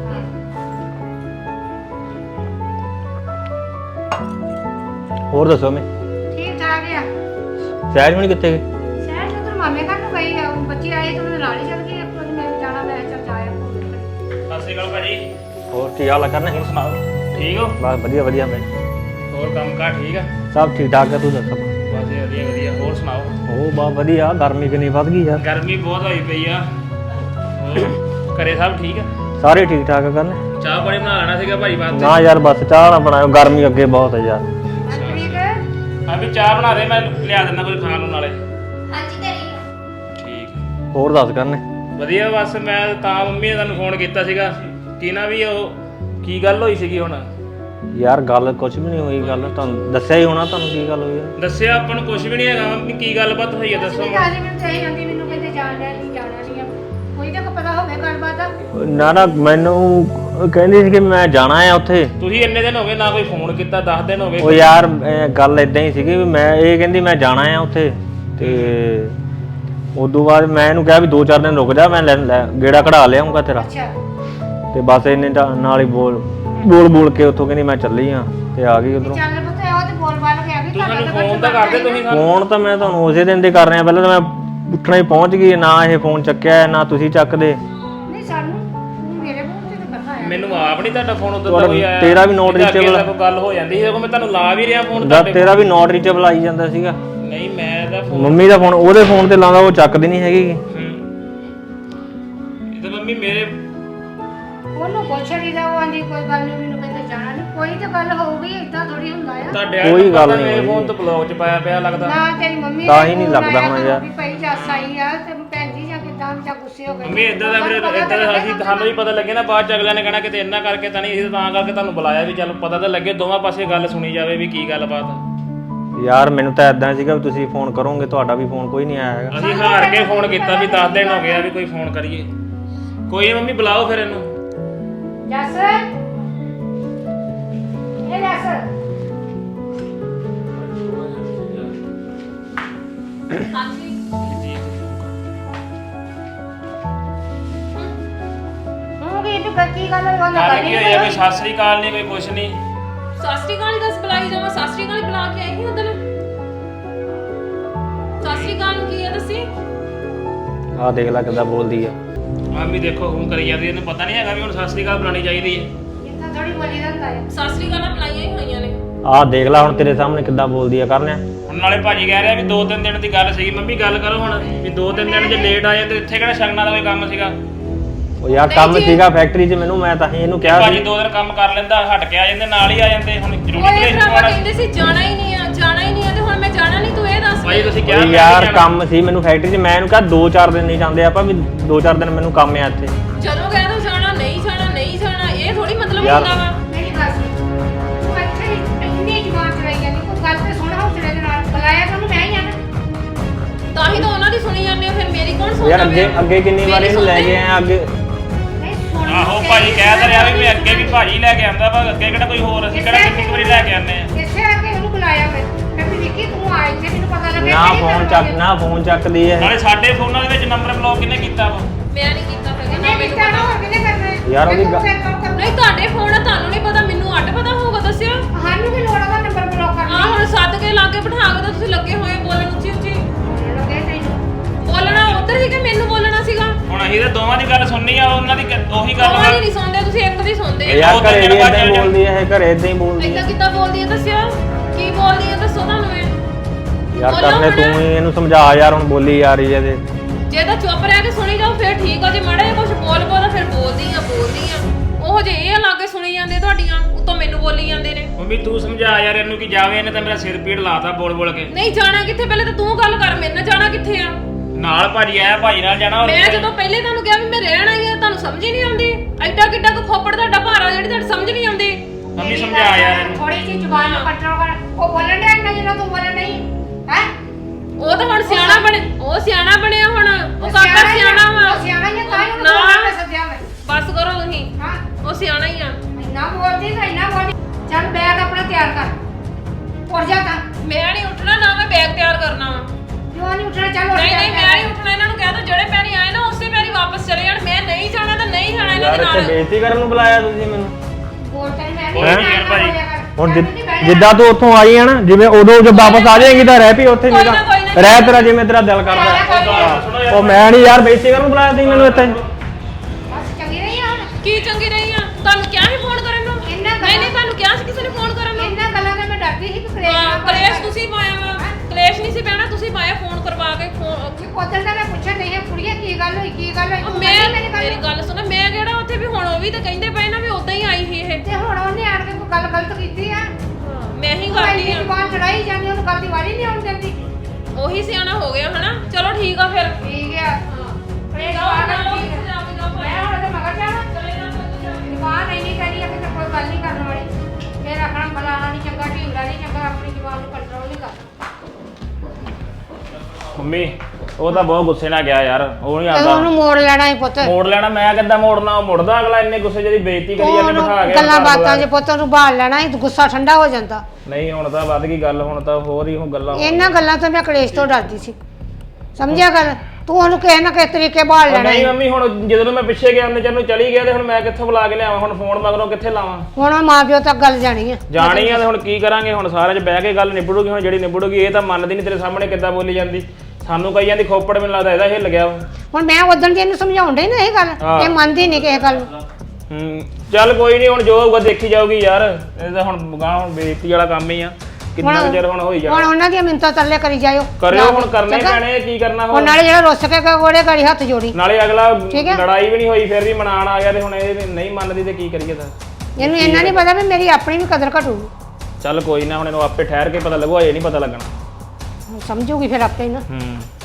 Speaker 5: ਹੋਰ ਦੱਸੋ ਮੈਂ
Speaker 1: ਠੀਕ ਠਾਕ ਆ।
Speaker 5: ਸਹਿਜ ਹੁਣੀ ਕਿੱਥੇ ਗਏ?
Speaker 1: ਸ਼ਹਿਰ ਚ ਤਾਂ ਮਾਮੇ ਘਰ ਨੂੰ ਗਈ ਆ, ਉਹ ਬੱਚੇ ਆਏ ਤੇ ਉਹਨਾਂ ਨਾਲ ਹੀ ਚੱਲ ਗਏ। ਕੋਈ ਮੈਂ ਵੀ ਜਾਣਾ, ਮੈਂ ਚੱਲ ਜਾਇਆ।
Speaker 4: ਸਤਿ ਸ਼੍ਰੀ ਅਕਾਲ ਭਾਜੀ।
Speaker 5: ਹੋਰ ਕੀ ਹਾਲ ਆ ਕਰਨਾ?
Speaker 4: ਹੋਰ ਸੁਣਾਓ, ਠੀਕ ਹੋ?
Speaker 5: ਬਸ ਵਧੀਆ ਵਧੀਆ ਮੈਂ।
Speaker 4: ਹੋਰ ਕੰਮ ਕਾਰ ਠੀਕ ਆ?
Speaker 5: ਸਭ ਠੀਕ ਠਾਕ ਆ, ਤੂੰ ਦੱਸੋ?
Speaker 4: ਬਸ ਵਧੀਆ ਵਧੀਆ। ਹੋਰ ਸੁਣਾਓ?
Speaker 5: ਉਹ ਬਾ ਵਧੀਆ। ਗਰਮੀ ਕਿੰਨੀ ਵੱਧ ਗਈ ਯਾਰ।
Speaker 4: ਗਰਮੀ ਬਹੁਤ ਹੋਈ ਪਈ ਆ। ਹੋਰ ਘਰੇ ਸਭ ਠੀਕ ਆ?
Speaker 5: ਸਾਰੇ ਠੀਕ ਠਾਕ ਆ ਕਰਨਾ।
Speaker 4: ਚਾਹ ਪਾਣੀ ਬਣਾ ਲੈਣਾ ਸੀਗਾ ਭਾਈ ਵਾਸਤੇ।
Speaker 5: ਨਾ ਯਾਰ ਬਸ ਚਾਹ ਨਾ ਬਣਾਇਓ, ਗਰਮੀ ਅੱਗੇ ਬਹੁਤ ਹੈ ਯਾਰ।
Speaker 1: ਮਨਪ੍ਰੀਤ
Speaker 4: ਹਾਂ ਵੀ ਚਾਹ ਬਣਾ ਦੇ, ਮੈਂ ਲਿਆ ਦਿੰਦਾ ਕੋਈ ਖਾਣ ਨੂੰ ਨਾਲੇ।
Speaker 2: ਹਾਂਜੀ ਤੇਰੀ।
Speaker 4: ਠੀਕ।
Speaker 5: ਹੋਰ ਦੱਸ ਕਰਨੇ।
Speaker 4: ਵਧੀਆ। ਬਸ ਮੈਂ ਤਾਂ ਮੰਮੀ ਨੇ ਤੁਹਾਨੂੰ ਫੋਨ ਕੀਤਾ ਸੀਗਾ ਕਿ ਨਾ ਵੀ ਉਹ ਕੀ ਗੱਲ ਹੋਈ ਸੀਗੀ ਹੁਣ।
Speaker 5: ਯਾਰ ਗੱਲ ਕੁਝ ਵੀ ਨਹੀਂ ਹੋਈ। ਗੱਲ ਤੁਹਾਨੂੰ ਦੱਸਿਆ ਹੀ ਹੋਣਾ ਤੁਹਾਨੂੰ ਕੀ ਗੱਲ ਹੋਈ ਹੈ।
Speaker 4: ਦੱਸਿਆ ਆਪਾਂ ਨੂੰ ਕੁਝ ਵੀ ਨਹੀਂ ਹੈਗਾ ਮੰਮੀ, ਕੀ ਗੱਲਬਾਤ ਹੋਈ ਹੈ ਦੱਸੋ।
Speaker 1: ਮੈਨੂੰ ਕਾਜੀ ਮੈਨੂੰ ਚਾਹੀ ਜਾਂਦੀ, ਮੈਨੂੰ ਕਹਿੰਦੇ ਜਾਣਾ ਨਹੀਂ ਜਾਣਾ ਨਹੀਂ। ਕੋਈ ਤਾਂ ਪਤਾ ਹੋਵੇ ਗੱਲਬਾਤ ਦਾ।
Speaker 5: ਨਾ ਨਾ ਮੈਨੂੰ ਕਹਿੰਦੀ ਸੀ ਕਿ ਮੈਂ ਜਾਣਾ ਆ ਉੱਥੇ।
Speaker 4: ਤੁਸੀਂ ਇੰਨੇ ਦਿਨ ਹੋ ਗਏ ਨਾ ਕੋਈ ਫੋਨ ਕੀਤਾ, ਦਸ ਦਿਨ ਹੋ ਗਏ।
Speaker 5: ਉਹ ਯਾਰ ਇਹ ਗੱਲ ਇਦਾਂ ਹੀ ਸੀਗੀ ਵੀ ਮੈਂ ਇਹ ਕਹਿੰਦੀ ਮੈਂ ਜਾਣਾ ਆ ਉੱਥੇ, ਤੇ ਉਦੋਂ ਬਾਅਦ ਮੈਂ ਇਹਨੂੰ ਕਿਹਾ ਵੀ ਦੋ ਚਾਰ ਦਿਨ ਰੁਕ ਜਾ, ਮੈਂ ਲੈ ਲੈ- ਗੇੜਾ ਕਢਾ ਲਿਆਉਂਗਾ ਤੇਰਾ।
Speaker 1: ਅੱਛਾ
Speaker 5: ਤੇ ਬਸ ਇਹਨੇ ਤਾਂ ਨਾਲ ਹੀ ਬੋਲ ਬੋਲ ਬੋਲ ਕੇ ਉੱਥੋਂ ਕਹਿੰਦੀ ਮੈਂ ਚੱਲੀ ਆ, ਤੇ ਆ ਗਈ ਉਧਰੋਂ।
Speaker 1: ਚੱਲ ਪਤਾ ਉਹ ਤੇ ਬੋਲ ਬਾਲ ਕੇ ਆ ਗਈ।
Speaker 4: ਤੁਸੀਂ ਸਾਨੂੰ ਫੋਨ ਤਾਂ ਕਰਦੇ ਤੁਸੀਂ ਸਾਨੂੰ।
Speaker 5: ਫੋਨ ਤਾਂ ਮੈਂ ਤੁਹਾਨੂੰ ਉਸੇ ਦਿਨ ਦੇ ਕਰ ਰਿਹਾ। ਪਹਿਲਾਂ ਤਾਂ ਮੈਂ ਉੱਠਣਾ ਹੀ ਪਹੁੰਚ ਗਈ, ਨਾ ਇਹ ਫੋਨ ਚੱਕਿਆ ਨਾ ਤੁਸੀਂ ਚੱਕਦੇ।
Speaker 1: ਨਹੀਂ ਸਾਨੂੰ ਮੇਰੇ ਮੂੰਹ ਤੇ ਤਾਂ ਪਤਾ ਆਇਆ।
Speaker 4: ਮੈਨੂੰ ਆਪ ਨਹੀਂ ਤੁਹਾਡਾ ਫੋਨ ਉਦੋਂ ਦਾ
Speaker 5: ਤੁਹਾਡਾ-
Speaker 4: ਕੋਈ ਆਇਆ।
Speaker 5: ਤੇਰਾ ਵੀ not
Speaker 4: ਅੱਗੇ
Speaker 5: reachable
Speaker 4: ਤਾਂ ਕੋਈ ਗੱਲ ਹੋ ਜਾਂਦੀ ਸੀ, ਦੇਖੋ ਮੈਂ ਤੁਹਾਨੂੰ ਲਾ ਵੀ ਰਿਹਾ ਫੋਨ
Speaker 5: ਦਾ
Speaker 4: ਤੁਹਾਡੇ।
Speaker 5: ਤੇਰਾ ਵੀ ਨੋਟ ਰੀਚੇਬਲ ਆਈ ਜਾਂਦਾ ਸੀਗਾ।
Speaker 4: ਨਹੀਂ ਮੈਂ ਇਹਦਾ ਫੋਨ।
Speaker 5: ਮੰਮੀ ਦਾ ਫੋਨ ਉਹਦੇ ਫੋਨ ਤੇ ਲਾਉਂਦਾ, ਉਹ ਚੱਕਦੀ ਨਹੀਂ ਹੈਗੀ।
Speaker 4: ਇਹ ਤਾਂ ਮੰਮੀ ਮੇਰੇ
Speaker 1: ਉਹਨੂੰ ਪੁੱਛ ਲਈਦਾ, ਉਹ ਆਂਦੀ ਕੋਈ ਗੱਲ ਨਹੀਂ, ਮੈਨੂੰ ਕਹਿੰਦੇ ਜਾਣਾ ਨਹੀਂ। ਕੋਈ ਤਾਂ ਗੱਲ ਹੋਊਗੀ, ਇਦਾਂ ਥੋੜੀ ਹੁੰਦਾ ਆ।
Speaker 4: ਤੁਹਾਡੇ
Speaker 5: ਕੋਈ ਗੱਲ ਨਹੀਂ
Speaker 4: ਮੇਰੇ
Speaker 5: ਹੋਈ।
Speaker 4: ਫੋਨ ਤੋਂ ਬਲੌਕ ਚ ਪਾਇਆ ਪਿਆ ਲੱਗਦਾ।
Speaker 1: ਨਾ ਤੇਰੀ ਮੰਮੀ
Speaker 5: ਤਾਂ
Speaker 1: ਦਾ
Speaker 5: ਹੀ ਨਹੀਂ
Speaker 1: ਫੋਨ
Speaker 5: ਲੱਗਦਾ
Speaker 1: ਆਇਆ
Speaker 5: ਹੋਣਾ
Speaker 1: ਕਰੋ
Speaker 5: ਯਾਰ।
Speaker 1: ਵੀ ਭਾਈ ਜੱਸ ਆਈ ਆ ਤੇ ਭੈਣ ਜੀ ਜਾਂ ਕਿਦਾਂ ਜਾਂ ਗੁੱਸੇ ਹੋ ਗਏ।
Speaker 4: ਮੰਮੀ ਇਦਾਂ ਦਾ ਫਿਰ ਇਦਾਂ ਦਾ ਅਸੀਂ ਸਾਨੂੰ ਵੀ ਪਤਾ ਲੱਗੇ ਨਾ, ਬਾਅਦ ਚ ਅਗਲਿਆਂ ਨੇ ਕਹਿਣਾ ਕਿਤੇ ਇੰਨਾ ਕਰਕੇ ਤਾਂ ਨਹੀਂ, ਅਸੀਂ ਤਾਂ ਕਰਕੇ ਤੁਹਾਨੂੰ ਬੁਲਾਇਆ ਵੀ ਚੱਲ ਪਤਾ ਤਾਂ ਲੱਗੇ, ਦੋਵਾਂ ਪਾਸੇ ਗੱਲ ਸੁਣੀ ਜਾਵੇ ਵੀ ਕੀ ਗੱਲਬਾਤ ਆ।
Speaker 5: ਯਾਰ ਮੈਨੂੰ ਤਾਂ ਐਦਾਂ ਸੀਗਾ ਵੀ ਤੁਸੀਂ ਫੋਨ ਕਰੋਗੇ, ਤੁਹਾਡਾ ਵੀ ਫੋਨ ਕੋਈ ਨਹੀਂ ਆਇਆ ਹੈਗਾ।
Speaker 4: ਅਸੀਂ ਹਾਰ ਕੇ ਫੋਨ ਕੀਤਾ ਵੀ ਦਸ ਦਿਨ ਹੋ ਗਏ ਆ ਵੀ ਕੋਈ ਫੋਨ ਕਰੀਏ। ਕੋਈ ਨਹੀਂ ਮੰਮੀ ਬੁਲਾਓ ਫਿਰ ਇਹਨੂੰ।
Speaker 1: ਜੱਸ ਇਹ ਜੱਸ
Speaker 2: ਹਾਂਜੀ
Speaker 1: ਉਹ ਕੀ ਤੂੰ ਕੀ ਗੱਲ ਹੋਈ ਉਹਨਾਂ
Speaker 4: ਗੱਲ ਕੀ ਹੋਈ ਆ, ਕੋਈ ਸਤਿ ਸ੍ਰੀ ਅਕਾਲ ਨਹੀਂ, ਕੋਈ ਕੁਛ ਨਹੀਂ।
Speaker 3: ਸਾਸਰੀ ਕਾਲ ਦੱਸ ਬੁਲਾਈ ਜਾਵਾਂ। ਸਾਸਰੀ ਕਾਲ ਬੁਲਾ ਕੇ ਆਈ ਸੀ ਉਦੋਂ। ਸਾਸਰੀ ਕਾਲ ਨੂੰ ਕੀ ਆ ਦੱਸੀ।
Speaker 5: ਆਹ ਦੇਖ ਲੈ ਕਿੱਦਾਂ ਬੋਲਦੀ ਆ।
Speaker 4: ਮੰਮੀ ਦੇਖੋ ਹੁਣ ਕਰੀ ਜਾਂਦੀ, ਇਹਨੂੰ ਪਤਾ ਨਹੀਂ ਹੈਗਾ ਵੀ ਹੁਣ ਸਤਿ ਸ੍ਰੀ ਅਕਾਲ ਬੁਲਾਉਣੀ ਚਾਹੀਦੀ ਹੈ।
Speaker 1: ਇੱਦਾਂ ਥੋੜੀ ਬੋਲੀ ਜਾਂਦਾ ਹੈ।
Speaker 3: ਸਾਸਰੀ ਕਾਲਾਂ ਬੁਲਾਈਆਂ ਹੀ ਹੋਈਆਂ ਨੇ।
Speaker 5: ਆਹ ਦੇਖ ਲੈ ਹੁਣ ਤੇਰੇ ਸਾਹਮਣੇ ਕਿੱਦਾਂ ਬੋਲਦੀ ਆ ਕਰਨਿਆ।
Speaker 4: ਹੁਣ ਨਾਲੇ ਭਾਜੀ ਕਹਿ ਰਿਹਾ ਵੀ ਦੋ ਤਿੰਨ ਦਿਨ ਦੀ ਗੱਲ ਸੀਗੀ। ਮੰਮੀ ਗੱਲ ਕਰੋ ਹੁਣ ਵੀ ਦੋ ਤਿੰਨ ਦਿਨ ਜੇ ਲੇਟ ਆ ਜਾਂਦੇ, ਇੱਥੇ ਕਿਹੜਾ ਸ਼ਗਨਾਂ ਦਾ ਕੋਈ ਕੰਮ ਸੀਗਾ।
Speaker 5: ਉਹ ਯਾਰ ਕੰਮ ਸੀਗਾ ਫੈਕਟਰੀ 'ਚ, ਮੈਨੂੰ ਮੈਂ ਤਾਂ ਹੀ ਇਹਨੂੰ ਕਿਹਾ
Speaker 4: ਭਾਜੀ
Speaker 5: ਸੀ।
Speaker 4: ਦੋ ਦਿਨ ਕੰਮ ਕਰ ਲੈਂਦਾ, ਹਟ ਕੇ ਆ ਜਾਂਦੇ, ਨਾਲ ਹੀ ਆ ਜਾਂਦੇ। ਹੁਣ ਜ਼ਰੂਰੀ
Speaker 3: ਉਹ ਇਹ
Speaker 4: ਕਲੇਸ਼
Speaker 3: ਭਰਾਵਾ
Speaker 4: ਪਾਉਣਾ।
Speaker 3: ਕਹਿੰਦੇ ਸੀ ਜਾਣਾ ਹੀ ਨਹੀਂ ਆ, ਜਾਣਾ ਹੀ ਨਹੀਂ ਆ, ਤੇ ਹੁਣ ਮੈਂ ਜਾਣਾ ਨਹੀਂ, ਤੂੰ ਇਹ ਦੱਸ।
Speaker 4: ਭਾਈ ਤੁਸੀਂ ਕਿਹਾ
Speaker 5: ਉਹ
Speaker 4: ਮੈਂ
Speaker 5: ਯਾਰ
Speaker 4: ਨਹੀਂ
Speaker 5: ਕੰਮ ਸੀ ਮੈਨੂੰ ਫੈਕਟਰੀ 'ਚ, ਮੈਂ ਇਹਨੂੰ ਕਿਹਾ ਦੋ ਚਾਰ ਦਿਨ ਨਹੀਂ ਜਾਂਦੇ ਆਪਾਂ, ਵੀ ਦੋ ਚਾਰ ਦਿਨ ਮੈਨੂੰ ਕੰਮ ਆ ਇੱਥੇ।
Speaker 3: ਜਦੋਂ ਕਹਿ ਦੋ ਜਾਣਾ, ਨਹੀਂ ਜਾਣਾ, ਨਹੀਂ ਜਾਣਾ, ਇਹ ਥੋੜੀ ਮਤਲਬ
Speaker 5: ਯਾਰ-
Speaker 3: ਹੁੰਦਾ ਵਾ।
Speaker 1: ਮੇਰੀ ਗੱਲ ਸੁਣ, ਤੂੰ ਇੱਥੇ ਹੀ ਇੰਨੀ ਜ਼ੁਬਾਨ ਚਲਾਈ ਜਾਂਦੀ, ਕੋਈ ਗੱਲ ਤੇ ਸੁਣ ਹੌਸਲੇ ਦੇ ਨਾਲ। ਬੁਲਾਇਆ ਤੁਹਾਨੂੰ ਮੈਂ ਹੀ ਆ ਨਾ।
Speaker 3: ਤਾਂ ਹੀ ਤਾਂ ਉਹਨਾਂ ਦੀ ਸੁਣੀ ਜਾਂਦੇ ਹੋ, ਫਿਰ ਮੇਰੀ ਕੌਣ ਸੁਣਦਾ
Speaker 5: ਯਾਰ ਅੱਗੇ
Speaker 3: ਪਿਆ?
Speaker 5: ਅੱਗੇ ਕਿੰਨੀ ਵਾਰ ਇਹਨੂੰ ਲੈ ਗਏ ਆ ਅੱਗੇ।
Speaker 1: ਨਹੀਂ ਸੁਣ
Speaker 4: ਆਹੋ ਭਾਜੀ ਕਹਿ ਤਾਂ ਰਿਹਾ ਵੀ ਮੈਂ ਅੱਗੇ ਵੀ ਭਾਜੀ ਲੈ ਕੇ ਆਂਦਾ ਵਾ, ਅੱਗੇ ਕਿਹੜਾ ਕੋਈ ਹੋਰ, ਅਸੀਂ ਕਿਹੜਾ ਕਿੰਨੀ ਕੁ ਵਾਰੀ ਲੈ ਕੇ ਆਨੇ ਆ।
Speaker 1: ਇਸੇ ਕਰਕੇ ਉਹਨੂੰ ਬੁਲਾਇਆ ਮੈਂ। ਫਿਰ ਵੀ ਨਿੱਕੀ ਤੂੰ ਆ ਇੱਥੇ, ਮੈਨੂੰ ਪਤਾ
Speaker 5: ਨਾ ਫੋਨ ਚੱਕ ਨਾ ਫੋਨ ਚੱਕਦੀ ਹੈ
Speaker 4: ਨਾਲੇ ਸਾਡੇ ਫੋਨਾਂ ਦੇ ਵਿੱਚ ਨੰਬਰ ਬਲੌਕ ਕਿਹਨੇ ਕੀਤਾ ਵਾ
Speaker 3: ਮੈਂ ਨਹੀਂ ਕੀਤਾ ਹੈਗਾ ਨਾ ਮੈਨੂੰ
Speaker 1: ਕੀਤਾ ਨਾ ਹੋਰ ਕਿਹਨੇ ਕਰਨਾ ਹੈ?
Speaker 5: ਯਾਰ ਉਹਦੀ
Speaker 1: ਮੈਨੂੰ
Speaker 5: ਗੱਲ-
Speaker 1: ਫਿਰ call ਕਰਨਾ।
Speaker 3: ਨਹੀਂ ਤੁਹਾਡੇ ਫੋਨ ਆ ਤੁਹਾਨੂੰ ਨਹੀਂ ਪਤਾ ਮੈਨੂੰ ਅੱਡ ਪਤਾ ਹੋਊਗਾ ਦੱਸਿਓ
Speaker 1: ਸਾਨੂੰ ਵੀ ਲੋੜ ਆ ਨੰਬਰ ਬਲੌਕ ਕਰਨ
Speaker 3: ਆ ਹੁਣ ਸੱਦ ਕੇ ਲਾਗੇ ਬਿਠਾ ਕੇ ਤਾਂ ਤੁਸੀਂ ਲੱਗੇ ਹੋਏ ਹੋ ਬੋਲਣ ਉੱਚੀ ਉੱਚੀ
Speaker 1: ਦੀ ਲੱਗੇ ਤੈਨੂੰ
Speaker 3: ਬੋਲਣਾ ਉੱਧਰ ਸੀ ਕਿ ਮੈਨੂੰ ਬੋਲਣਾ ਸੀਗਾ
Speaker 4: ਹੁਣ ਅਸੀਂ ਤਾਂ ਦੋਵਾਂ ਦੀ ਗੱਲ ਸੁਣਨੀ ਆ ਉਹਨਾਂ ਦੀ ਕ- ਉਹੀ ਗੱਲ
Speaker 3: ਦੋਵਾਂ
Speaker 4: ਵਾ
Speaker 3: ਦੀ ਨਹੀਂ ਸੁਣਦੇ ਤੁਸੀਂ ਇੱਕ ਦੀ ਸੁਣਦੇ
Speaker 5: ਇਹ ਯਾਰ ਘਰੇ ਵੀ ਏਦਾਂ ਹੀ ਬੋਲਦੀ ਹੈ ਇਹ ਘਰੇ ਏਦਾਂ ਹੀ ਬੋਲਦੀ
Speaker 3: ਏਦਾਂ
Speaker 5: ਹੈ
Speaker 3: ਕਿੱਦਾਂ ਬੋਲਦੀ ਹੈ ਦੱਸਿਓ ਕੀ ਬੋਲਦੀ ਹੈ ਦੱਸੋ ਤੁਹਾਨੂੰ ਇਹ
Speaker 5: ਯਾਰ
Speaker 3: ਬੋਲੋ
Speaker 5: ਕਰਨੇ
Speaker 3: ਹੁਣ।
Speaker 5: ਤੂੰ ਹੀ ਇਹਨੂੰ ਸਮਝਾ ਯਾਰ ਹੁਣ ਬੋਲੀ ਜਾ ਰਹੀ ਹੈ ਤੇ
Speaker 3: ਜੇ ਤਾਂ ਚੁੱਪ ਰਹਿ ਕੇ ਸੁਣੀ ਜਾਓ ਫਿਰ ਠੀਕ ਆ ਜੇ ਮਾੜਾ ਜਿਹਾ ਕੁਝ ਬੋਲ ਬੋਲ ਫਿਰ ਬੋਲਦੀ ਆ ਬੋਲਦੀ ਆ ਉਹ ਜੇ ਇਹ ਲਾਗੇ ਸੁਣੀ ਜਾਂਦੇ ਤੁਹਾਡੀਆਂ ਉਤੋਂ ਮੈਨੂੰ ਬੋਲੀ ਜਾਂਦੇ ਨੇ
Speaker 4: ਮੰਮੀ ਤੂੰ ਸਮਝਾ ਯਾਰ ਇਹਨੂੰ ਕਿ ਜਾਵੇ ਇਹਨੇ ਤਾਂ ਮੇਰਾ ਸਿਰ ਪੀੜ ਲਾਤਾ ਬੋਲ ਬੋਲ ਕੇ
Speaker 3: ਨਹੀਂ ਜਾਣਾ ਕਿੱਥੇ ਪਹਿਲੇ ਤਾਂ ਤੂੰ ਗੱਲ ਕਰ ਮੇਰੇ ਨਾਲ ਜਾਣਾ ਕਿੱਥੇ ਆ
Speaker 4: ਨਾਲ ਭਾਜੀ ਆਇਆ ਭਾਜੀ ਨਾਲ ਜਾਣਾ ਹੋਰ
Speaker 3: ਮੈਂ
Speaker 4: ਕਿੱਥੇ?
Speaker 3: ਜਦੋਂ ਪਹਿਲੇ ਤੁਹਾਨੂੰ ਕਿਹਾ ਵੀ ਮੈਂ ਰਹਿਣ ਆਈ ਆ ਤੁਹਾਨੂੰ ਸਮਝ ਹੀ ਨਹੀਂ ਆਉਂਦੀ ਐਡਾ ਕਿੱਡਾ ਕੁ ਖੋਪੜ ਤੁਹਾਡਾ ਭਾਰਾ ਜਿਹੜੀ ਤੁਹਾਨੂੰ ਸਮਝ ਨਹੀਂ ਆਉਂਦੀ
Speaker 4: ਮੰਮੀ ਸਮਝਾ ਯਾਰ ਇਹਨੂੰ
Speaker 1: ਥੋੜੀ ਜਿਹੀ ਜ਼ੁਬਾਨ ਨੂੰ ਕੰਟਰੋਲ ਕਰ ਉਹ ਬੋਲਣ ਡਿਆ ਇੰਨਾ ਜਿੰਨਾ ਤੂੰ ਬੋਲਣ ਨਹੀਂ ਹੈ
Speaker 3: ਉਹ ਤਾਂ ਹੁਣ ਸਿਆਣਾ ਬਣੇ ਉਹ ਸਿਆਣਾ ਬਣਿਆ ਹੁਣ ਉਹ ਕਾਕਾ ਸਿਆਣਾ ਵਾ
Speaker 1: ਉਹ ਸਿਆਣਾ ਹੀ ਆ, ਤਾਂ ਹੀ ਉਹਨੂੰ
Speaker 3: ਨਾ।
Speaker 1: ਬੋਲਣ ਦਾ ਸੱਦਿਆ ਮੈਂ
Speaker 3: ਬਸ ਕਰੋ ਤੁਸੀਂ
Speaker 1: ਹਾਂ
Speaker 3: ਉਹ ਸਿਆਣਾ ਹੀ ਆ
Speaker 1: ਇੰਨਾ ਬੋਲਦੀ ਤਾਂ ਇੰਨਾ ਬੋਲਦੀ ਚੱਲ ਬੈਗ ਆਪਣਾ ਤਿਆਰ ਕਰ ਉੱਠ ਜਾ ਤਾਂ
Speaker 3: ਮੈਂ ਨਹੀਂ ਉੱਠਣਾ ਨਾ ਮੈਂ ਬੈਗ ਤਿਆਰ ਕਰਨਾ ਵਾ
Speaker 1: ਕਿਉਂ ਨਹੀਂ ਉੱਠਣਾ ਚੱਲ ਉੱਠ
Speaker 3: ਨਹੀਂ
Speaker 1: ਜਾ
Speaker 3: ਨਹੀਂ ਮੈਂ ਨਹੀਂ ਉੱਠਣਾ ਇਹਨਾਂ ਨੂੰ ਕਹਿ ਦੋ ਜਿਹੜੇ ਪੈਰੀ ਆਏ ਨਾ ਉਸੇ ਪੈਰੀ ਵਾਪਸ ਚਲੇ ਜਾਣ ਮੈਂ ਨਹੀਂ ਜਾਣਾ ਤਾਂ ਨਹੀਂ ਜਾਣਾ ਇਹਨਾਂ
Speaker 5: ਯਾਰ
Speaker 3: ਦੇ
Speaker 5: ਇੱਥੇ
Speaker 3: ਨਾਲ
Speaker 5: ਬੇਇੱਜ਼ਤੀ ਕਰਨ ਨੂੰ ਬੁਲਾਇਆ ਤੁਸੀਂ ਮੈਨੂੰ
Speaker 1: ਬੋਲ ਤੇ ਮੈਂ
Speaker 4: ਹੋਰ
Speaker 1: ਨਹੀਂ
Speaker 4: ਕੀ ਯਾਰ ਭਾਈ?
Speaker 5: ਹੁਣ ਜਿ- ਜਿੱਦਾਂ ਤੂੰ ਉੱਥੋਂ ਆਈ ਹੈ ਨਾ ਜਿਵੇਂ ਉਦੋਂ ਜਦ ਵਾਪਸ ਆ ਜਾਏਗੀ ਤਾਂ ਰਹਿ ਪਈ ਉੱਥੇ
Speaker 3: ਕੋਈ
Speaker 5: ਜਿਹੜਾ
Speaker 3: ਨਾ, ਕੋਈ ਨਾ।
Speaker 5: ਰਹਿ ਤੇਰਾ ਜਿਵੇਂ ਤੇਰਾ ਦਿਲ ਕਰਦਾ
Speaker 4: ਸੁਣੋ ਯਾਰ
Speaker 5: ਉਹ ਮੈਂ ਨਹੀਂ ਯਾਰ ਬੇਇੱਜ਼ਤੀ ਕਰਨ ਨੂੰ ਬੁਲਾਇਆ ਤੁਸੀਂ ਮੈਨੂੰ ਇੱਥੇ
Speaker 1: ਬਸ ਚੰਗੀ ਰਹੀ ਆ ਹੁਣ
Speaker 3: ਕੀ ਚੰਗੀ ਰਹੀ ਆ ਤੁਹਾਨੂੰ ਕਿਹਾ ਸੀ ਫੋਨ ਕਰਨ ਨੂੰ
Speaker 1: ਇੰਨਾ
Speaker 3: ਨਹੀਂ ਨਹੀਂ ਤੁਹਾਨੂੰ ਕਿਹਾ ਸੀ ਕਿਸੇ ਨੇ ਫੋਨ ਕਰਨ ਨੂੰ
Speaker 1: ਇੰਨਾ ਗੱਲਾਂ ਦਾ ਮੈਂ ਡਰਦੀ ਸੀ ਕਿ ਕਲੇਸ਼
Speaker 3: ਹਾਂ,
Speaker 1: ਨਾ
Speaker 3: ਕਲੇਸ਼ ਤੁਸੀਂ ਪਾਇਆ ਵਾ ਕਲੇਸ਼ ਨਹੀਂ ਸੀ ਪੈਣਾ ਤੁਸੀਂ ਪਾਇਆ ਫੋਨ ਕਰਵਾ ਕੇ ਫੋਨ
Speaker 1: ਕੋਤਲ ਦਾ ਮੈਂ ਪੁੱਛਿਆ ਨਹੀਂ ਹੈ ਕੁੜੀਏ ਕੀ ਗੱਲ ਹੋਈ ਕੀ ਗੱਲ ਹੋਈ
Speaker 3: ਉਹ
Speaker 1: ਤੂੰ
Speaker 3: ਮੈਂ
Speaker 1: ਕਹਿੰਦੀ ਮੇਰੀ ਗੱਲ
Speaker 3: ਮੇਰੀ ਗੱਲ ਸੁਣੋ ਮੈਂ ਕਿਹੜਾ ਉੱਥੇ ਵੀ ਹੁਣ ਉਹ ਵੀ ਤਾਂ ਕਹਿੰਦੇ ਪਏ ਨਾ ਵੀ ਉਦਾਂ ਹੀ ਆਈ ਸੀ ਇਹ
Speaker 1: ਤੇ ਹੁਣ ਉਹਨੇ ਆਣ ਕੇ ਕੋਈ ਗੱਲ ਗਲਤ ਕੀਤੀ ਆ
Speaker 3: ਮੈਂ ਹੀ
Speaker 1: ਉਹ
Speaker 3: ਕਰਦੀ
Speaker 1: ਇੰਨੀ
Speaker 3: ਆ
Speaker 1: ਜ਼ੁਬਾਨ ਚੜਾਈ ਜਾਂਦੀ ਉਹਨੂੰ ਗੱਲ ਦੀ ਵਾਰੀ ਨਹੀਂ ਆਉਣ ਦਿੰਦੀ
Speaker 3: ਉਹੀ ਸਿਆਣਾ ਹੋ ਗਿਆ ਹਨਾ ਚਲੋ ਠੀਕ ਆ ਫਿਰ
Speaker 1: ਠੀਕ ਆ ਕਲੇਸ਼
Speaker 3: ਜਾਓ,
Speaker 1: ਪਾ
Speaker 3: ਜਾਓ,
Speaker 1: ਕੇ ਠੀਕ ਆ।
Speaker 3: ਜਾਓ, ਜਾਓ, ਭਾਈ।
Speaker 1: ਮੈਂ ਹੁਣ ਉਹਦੇ ਮਗਰ ਜਾਣਾ
Speaker 3: ਚਲੇ ਜਾਓ, ਚਲੇ ਜਾਓ।
Speaker 1: ਜ਼ੁਬਾਨ ਇੰਨੀ ਕਰੀ ਆ ਕਿ ਤੇ ਕੋਈ ਗੱਲ ਨਹੀਂ ਕਰਨ ਵਾਲੀ ਫਿਰ ਆਖਣਾ ਫਲਾਣਾ ਨਹੀਂ ਚੰਗਾ ਢੀਂਗਰਾ ਨਹੀਂ ਚੰਗਾ ਆਪਣੀ ਜ਼ੁਬਾਨ ਨੂੰ ਕੰਟਰੋਲ ਨਹੀਂ ਕਰ
Speaker 4: ਮੰਮੀ ਉਹ ਤਾਂ ਬਹੁਤ ਗੁੱਸੇ ਨਾਲ ਗਿਆ ਯਾਰ ਉਹ ਨਹੀਂ
Speaker 1: ਤੇ
Speaker 4: ਆਉਂਦਾ
Speaker 1: ਉਹਨੂੰ ਮੋੜ ਲੈਣਾ ਹੀ ਪੁੱਤ
Speaker 4: ਮੋੜ ਲੈਣਾ ਮੈਂ ਕਿੱਦਾਂ ਮੋੜਨਾ ਉਹ ਮੁੜਦਾ ਅਗਲਾ ਇੰਨੇ ਗੁੱਸੇ ਜਿਹਦੀ ਬੇਇੱਜ਼ਤੀ ਕਰੀ ਜਾਂਦੇ
Speaker 1: ਉਹਨੂੰ
Speaker 4: ਬਿਠਾ ਕੇ
Speaker 1: ਗੱਲਾਂ
Speaker 4: ਘਰ
Speaker 1: ਬਾਤਾਂ
Speaker 4: ਬੁਲਾ
Speaker 1: 'ਚ ਪੁੱਤ ਨੂੰ ਬਾਲ ਲੈਣਾ ਹੀ ਗੁੱਸਾ ਠੰਡਾ ਹੋ ਜਾਂਦਾ
Speaker 4: ਨਹੀਂ ਹੁਣ ਤਾਂ ਵੱਧ ਗਈ ਗੱਲ ਹੁਣ ਤਾਂ ਹੋਰ ਹੀ ਉਹ ਗੱਲਾਂ ਹੋ
Speaker 1: ਇਹਨਾਂ ਗੱਲਾਂ ਤੋਂ ਮੈਂ ਕਲੇਸ਼ ਤੋਂ ਡਰਦੀ ਸੀ ਸਮਝਿਆ ਗੱਲ ਤੂੰ ਉਹਨੂੰ ਕਿਸੇ ਨਾ ਕਿਸੇ ਤਰੀਕੇ ਬਾਲ
Speaker 4: ਉਹ
Speaker 1: ਲੈਣਾ
Speaker 4: ਨਹੀਂ
Speaker 1: ਸੀ।
Speaker 4: ਮੰਮੀ ਹੁਣ ਜਦੋਂ ਮੈਂ ਪਿੱਛੇ ਗਿਆ ਉਹਨੇ ਚੰਨੂ ਚਲੀ ਗਿਆ ਤੇ ਹੁਣ ਮੈਂ ਕਿੱਥੋਂ ਬੁਲਾ ਕੇ ਲਿਆਵਾਂ ਹੁਣ ਫੋਨ ਮਗਰੋਂ ਕਿੱਥੇ ਲਾਵਾਂ
Speaker 1: ਹੁਣ ਉਹ ਮਾਂ ਪਿਓ ਤੱਕ ਗੱਲ ਜਾਣੀ ਆ
Speaker 4: ਜਾਣੀ ਆ ਤੇ ਹੁਣ ਕੀ ਕਰਾਂਗੇ ਹੁਣ ਸਾਰਿਆਂ 'ਚ ਬਹਿ ਕੇ ਗੱਲ ਨਿਬੜੂਗੀ ਹੁਣ ਜਿਹੜੀ ਨਿਬੜੂਗੀ ਇਹ ਤਾਂ ਮੰਨਦੀ ਨਹੀਂ ਤੇਰੇ ਸਾਹਮਣੇ ਕਿੱਦਾਂ ਬੋਲੀ ਜਾਂਦੀ ਸਾਨੂੰ ਕਹੀ ਜਾਂਦੀ ਖੋਪੜ ਮੈਨੂੰ ਲੱਗਦਾ ਇਹਦਾ ਹਿੱਲ ਗਿਆ ਵਾ।
Speaker 1: ਹੁਣ ਮੈਂ ਉਦੋਂ ਦੀ ਇਹਨੂੰ ਸਮਝਾਉਣ ਡਈ ਨਾ ਇਹ ਗੱਲ
Speaker 4: ਹਾਂ।
Speaker 1: ਇਹ ਮੰਨਦੀ ਨਹੀਂ ਕਿਸੇ ਗੱਲ ਨੂੰ
Speaker 4: ਹੂੰ ਚੱਲ ਕੋਈ ਨਹੀਂ ਹੁਣ ਜੋ ਹੋਊਗਾ ਦੇਖੀ ਜਾਊਗੀ ਯਾਰ ਇਹ ਤਾਂ ਹੁਣ ਗਾਂ ਹੁਣ ਬੇਇੱਜ਼ਤੀ ਵਾਲਾ ਕੰਮ ਹੀ ਆ ਕਿੰਨਾ ਕੁ ਚਿਰ ਹੁਣ ਹੋਈ
Speaker 1: ਹੁਣ
Speaker 4: ਜਾਣਾ
Speaker 1: ਉਹਨਾਂ ਦੀਆਂ ਮਿੰਤਾਂ ਤਰਲੇ ਕਰੀ ਜਾਇਓ
Speaker 4: ਕਰਿਓ ਹੁਣ ਕਰਨੇ
Speaker 1: ਚੰਗਾ?
Speaker 4: ਪੈਣੇ ਆ, ਕੀ ਕਰਨਾ
Speaker 1: ਹੁਣ
Speaker 4: ਹੁਣ
Speaker 1: ਨਾਲੇ ਜਿਹੜਾ ਰੁੱਸ ਕੇ ਗੋੜੇ ਗਾੜੀ ਹੱਥ ਜੋੜੀ
Speaker 4: ਨਾਲੇ ਅਗਲਾ
Speaker 1: ਠੀਕ ਹੈ।
Speaker 4: ਲੜਾਈ ਵੀ ਨਹੀਂ ਹੋਈ ਫਿਰ ਵੀ ਮਨਾਣ ਆ ਗਿਆ ਤੇ ਹੁਣ ਇਹ ਨਹੀਂ ਮੰਨਦੀ ਤੇ ਕੀ ਕਰੀਏ ਤਾਂ
Speaker 1: ਇਹਨੂੰ ਇੰਨਾ ਨਹੀਂ ਪਤਾ ਵੀ ਮੇਰੀ ਆਪਣੀ ਵੀ ਕਦਰ ਘਟੂਗੀ
Speaker 4: ਚੱਲ ਕੋਈ ਨਾ ਹੁਣ ਇਹਨੂੰ ਆਪੇ ਠਹਿਰ ਕੇ ਪਤਾ ਲੱਗੂ ਅਜੇ ਨਹੀਂ ਪਤਾ ਲੱਗਣਾ
Speaker 1: ਹੁਣ ਸਮਝੂਗੀ ਫਿਰ ਆਪੇ ਹੀ ਨਾ
Speaker 4: ਹੂੰ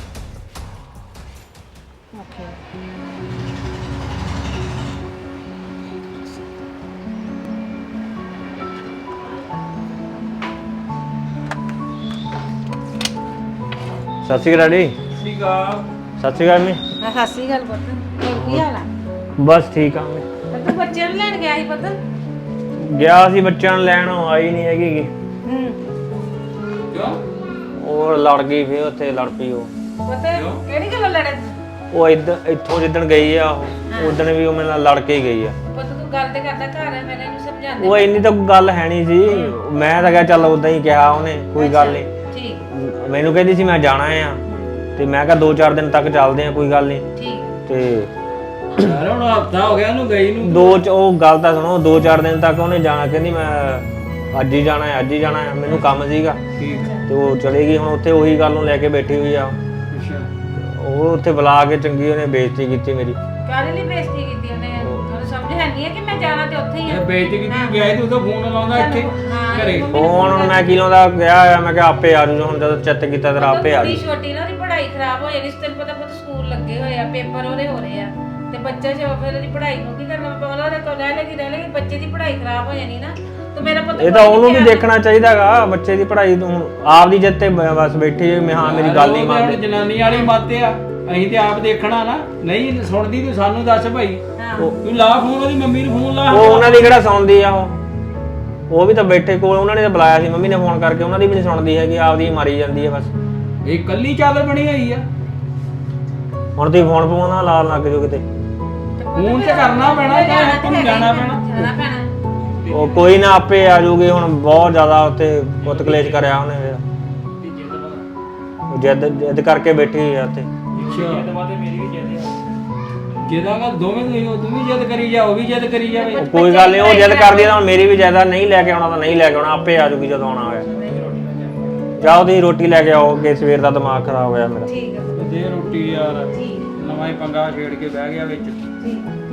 Speaker 5: ਸਤਿ ਸ਼੍ਰੀ ਅਕਾਲ ਜੀ
Speaker 6: ਠੀਕ ਆ
Speaker 5: ਸਤਿ ਸ਼੍ਰੀ ਅਕਾਲ ਮੈਂ
Speaker 7: ਸਤਿ ਸ਼੍ਰੀ ਅਕਾਲ ਪੁੱਤ ਹੋਰ ਕੀ ਹਾਲ ਆ
Speaker 5: ਬਸ ਠੀਕ ਆ ਮੈਂ
Speaker 7: ਤੇ ਤੂੰ ਬੱਚਿਆਂ ਨੂੰ ਲੈਣ ਗਿਆ ਸੀ ਪੁੱਤ
Speaker 5: ਗਿਆ ਸੀ ਬੱਚਿਆਂ ਨੂੰ ਲੈਣ ਉਹ ਆਈ ਨਹੀਂ ਹੈਗੀ ਗੀ।
Speaker 7: ਹੂੰ
Speaker 6: ਕਿਉਂ
Speaker 5: ਉਹ ਲੜ ਗਈ ਫਿਰ ਉੱਥੇ ਲੜ ਪਈ ਉਹ
Speaker 7: ਪੁੱਤ ਕਿਹੜੀ ਗੱਲ ਲੜੇ
Speaker 5: ਉਹ ਇੱਧਰ ਇੱਥੋਂ ਜਿੱਦਣ ਗਈ ਆ ਉਹ ਉਦਣ ਵੀ ਉਹ ਮੇਰੇ ਨਾਲ ਲੜ ਕੇ ਹੀ ਗਈ ਆ
Speaker 7: ਪੁੱਤ ਤੂੰ ਗੱਲ ਤੇ ਕਰਦਾ ਘਰ ਹੈ ਮੈਂ ਇਹਨੂੰ ਸਮਝਾਉਂਦੀ
Speaker 5: ਉਹ ਇੰਨੀ ਤਾਂ ਗੱਲ ਹੈ ਨਹੀਂ ਸੀ ਮੈਂ ਤਾਂ ਕਿਹਾ ਚੱਲ ਉਦਾਂ ਹੀ ਕਿਹਾ ਉਹਨੇ ਕੋਈ ਗੱਲ ਨਹੀਂ
Speaker 7: ਠੀਕ
Speaker 5: ਮੈਨੂੰ ਕਹਿੰਦੀ ਸੀ ਮੈਂ ਜਾਣਾ ਆ ਤੇ ਮੈਂ ਕਿਹਾ ਦੋ ਚਾਰ ਦਿਨ ਤੱਕ ਚੱਲਦੇ ਆ ਕੋਈ ਗੱਲ ਨਹੀਂ
Speaker 7: ਠੀਕ
Speaker 5: ਤੇ
Speaker 6: ਯਾਰ ਹੁਣ ਹਫਤਾ ਹੋ ਗਿਆ ਉਹਨੂੰ ਗਈ ਨੂੰ
Speaker 5: ਦੋ ਚ ਉਹ ਗੱਲ ਤਾਂ ਸੁਣੋ ਦੋ ਚਾਰ ਦਿਨ ਤੱਕ ਉਹਨੇ ਜਾਣਾ ਕਹਿੰਦੀ ਮੈਂ ਅੱਜ ਹੀ ਜਾਣਾ ਹੈ ਅੱਜ ਹੀ ਜਾਣਾ ਹੈ ਮੈਨੂੰ ਕੰਮ ਸੀਗਾ
Speaker 6: ਠੀਕ
Speaker 5: ਤੇ ਉਹ ਚਲੇ ਗਈ ਹੁਣ ਉੱਥੇ ਉਹੀ ਗੱਲ ਨੂੰ ਲੈ ਕੇ ਬੈਠੀ ਹੋਈ ਆ
Speaker 6: ਅੱਛਾ
Speaker 5: ਉਹ ਉੱਥੇ ਬੁਲਾ ਕੇ ਚੰਗੀ ਉਹਨੇ ਬੇਇੱਜ਼ਤੀ ਕੀਤੀ ਮੇਰੀ
Speaker 7: ਕਾਹਦੇ ਲਈ ਬੇਇੱਜ਼ਤੀ ਕੀਤੀ ਉਹਨੇ ਉਹਨੂੰ ਸਮਝ ਹੈ ਨਹੀਂ ਹੈ ਕਿ ਮੈਂ ਜਾਣਾ ਤੇ ਉੱਥੇ ਹੀ
Speaker 6: ਇਹ
Speaker 7: ਆ
Speaker 6: ਬੇਇੱਜ਼ਤੀ ਕੀਤੀ ਗਿਆ ਸੀ, ਤੂੰ ਤਾਂ ਫੋਨ ਲਾਉਂਦਾ ਇੱਥੇ
Speaker 7: ਹਾਂ।
Speaker 6: ਘਰੇ
Speaker 5: ਫੋਨ ਹੁਣ ਮੈਂ ਕਿਲੋਂ ਦਾ ਗਿਆ ਆ ਮੈਂ ਕਿਹਾ ਆਪੇ ਆ ਜੂ ਹੁਣ ਜਦੋਂ ਚਿੱਤ ਕੀਤਾ ਤੇਰਾ ਆਪੇ ਆ
Speaker 7: ਕੁੜੀ
Speaker 5: ਜੂ
Speaker 7: ਛੋਟੀ ਨਾ ਉਹਦੀ ਪੜ੍ਹਾਈ ਖਰਾਬ ਹੋ ਜਾਣੀ ਸੀ ਤੈਨੂੰ ਪਤਾ ਪੁੱਤ ਸਕੂਲ ਲੱਗੇ ਹੋਏ ਆ ਪੇਪਰ ਉਹਦੇ ਹੋ ਰਹੇ ਆ ਤੇ ਬੱਚਾ ਜੇ ਫਿਰ ਉਹਦੀ ਪੜ੍ਹਾਈ ਨੂੰ ਕੀ ਕਰਨਾ ਪਊਗਾ ਉਹਦੇ ਕੋਲ ਰਹਿ ਲੈਗੀ ਰਹਿ ਲੈਗੀ ਬੱਚੇ ਦੀ ਪੜ੍ਹਾਈ ਖਰਾਬ ਹੋ ਜਾਣੀ ਨਾ ਤੇ ਮੇਰਾ ਪੁੱਤ
Speaker 5: ਇਹ ਤਾਂ ਉਹਨੂੰ ਵੀ ਦੇਖਣਾ ਚਾਹੀਦਾਗਾ ਬੱਚੇ ਦੀ ਪੜ੍ਹਾਈ ਤੋਂ ਹੁਣ ਆਪ ਦੀ ਜਿੱਤੇ ਬਸ ਬੈਠੀ ਹੋਈ ਮੈਂ ਹਾਂ ਮੇਰੀ ਗੱਲ ਨਹੀਂ
Speaker 6: ਉਹ ਤਾਂ
Speaker 5: ਮੰਨਦੀ
Speaker 6: ਹੁਣ ਜਨਾਨੀ ਵਾਲੀ ਮੱਤ ਆ ਅਸੀਂ ਤੇ ਆਪ ਦੇਖਣਾ ਨਾ ਨਹੀਂ ਸੁਣਦੀ ਤੂੰ ਸਾਨੂੰ ਦੱਸ ਭਾਈ ਤੂੰ ਲਾ ਫੋਨ ਉਹਦੀ ਮੰਮੀ ਨੂੰ ਫੋਨ ਲਾ
Speaker 5: ਉਹ ਉਹਨਾਂ ਦੀ ਕਿਹੜਾ ਸੁਣਦੀ ਆ ਉਹ ਉਹ ਵੀ ਤਾਂ ਬੈਠੇ ਕੋਲ ਉਹਨਾਂ ਨੇ ਤਾਂ ਬੁਲਾਇਆ ਸੀ ਮੰਮੀ ਨੇ ਫੋਨ ਕਰਕੇ ਉਹਨਾਂ ਦੀ ਵੀ ਨਹੀਂ ਸੁਣਦੀ ਹੈਗੀ ਆਪਦੀ ਹੀ ਮਾਰੀ ਜਾਂਦੀ ਹੈ ਬਸ
Speaker 6: ਇਹ ਕੱਲੀ ਚਾਦਰ ਬਣੀ ਹੋਈ ਆ।
Speaker 5: ਹੁਣ ਤੁਸੀਂ ਫੋਨ ਫੋਨ ਨਾਲ ਲਾਣ ਲੱਗ ਜਾਓ ਕਿਤੇ।
Speaker 6: ਫੋਨ ਤੇ ਕਰਨਾ ਪੈਣਾ ਜਾਂ ਆਪਾਂ ਨੂੰ ਜਾਣਾ ਪੈਣਾ।
Speaker 7: ਜਾਣਾ ਪੈਣਾ।
Speaker 5: ਉਹ ਕੋਈ ਨਾ ਆਪੇ ਆ ਜਾਊਗੀ। ਹੁਣ ਬਹੁਤ ਜ਼ਿਆਦਾ ਉੱਥੇ ਪੁੱਤ ਕਲੇਸ਼ ਕਰਿਆ ਉਹਨੇ ਫਿਰ। ਜਿੱਦ ਜਿੱਦ ਕਰਕੇ ਬੈਠੀ ਆ ਉੱਥੇ।
Speaker 6: ਅੱਛਾ
Speaker 4: ਇਹ ਦਵਾ ਤੇ ਮੇਰੀ ਵੀ ਜਿੱਦ ਆ।
Speaker 6: ਜਿਹਦਾ ਗੱਲ ਦੋਵੇਂ ਤੁਸੀਂ ਉਹ ਤੂੰ ਵੀ ਜਿੱਦ ਕਰੀ ਜਾ ਉਹ ਵੀ ਜਿੱਦ ਕਰੀ ਜਾਵੇ।
Speaker 5: ਉਹ ਕੋਈ ਗੱਲ ਨਹੀਂ, ਉਹ ਜਿੱਦ ਕਰਦੀ ਆ ਤਾਂ ਹੁਣ ਮੇਰੀ ਵੀ ਜ਼ਿਆਦਾ ਨਹੀਂ ਲੈ ਕੇ ਆਉਣਾ ਤਾਂ ਨਹੀਂ ਲੈ ਕੇ ਆਉਣਾ, ਆਪੇ ਆ ਜਾਊਗੀ ਜਦੋਂ ਆਉਣਾ ਹੋਇਆ। ਜਾਓ ਤੁਸੀਂ ਰੋਟੀ ਲੈ ਕੇ ਆਓ, ਕਿ ਸਵੇਰ ਦਾ ਦਿਮਾਗ ਖਰਾਬ ਹੋਇਆ ਮੇਰਾ।
Speaker 7: ਠੀਕ ਹੈ
Speaker 6: ਦੇ ਰੋਟੀ ਯਾਰ,
Speaker 7: ਠੀਕ
Speaker 6: ਨਵਾਂ ਹੀ ਪੰਗਾ ਛੇੜ ਕੇ ਬਹਿ ਗਿਆ ਵਿੱਚ।
Speaker 7: ਠੀਕ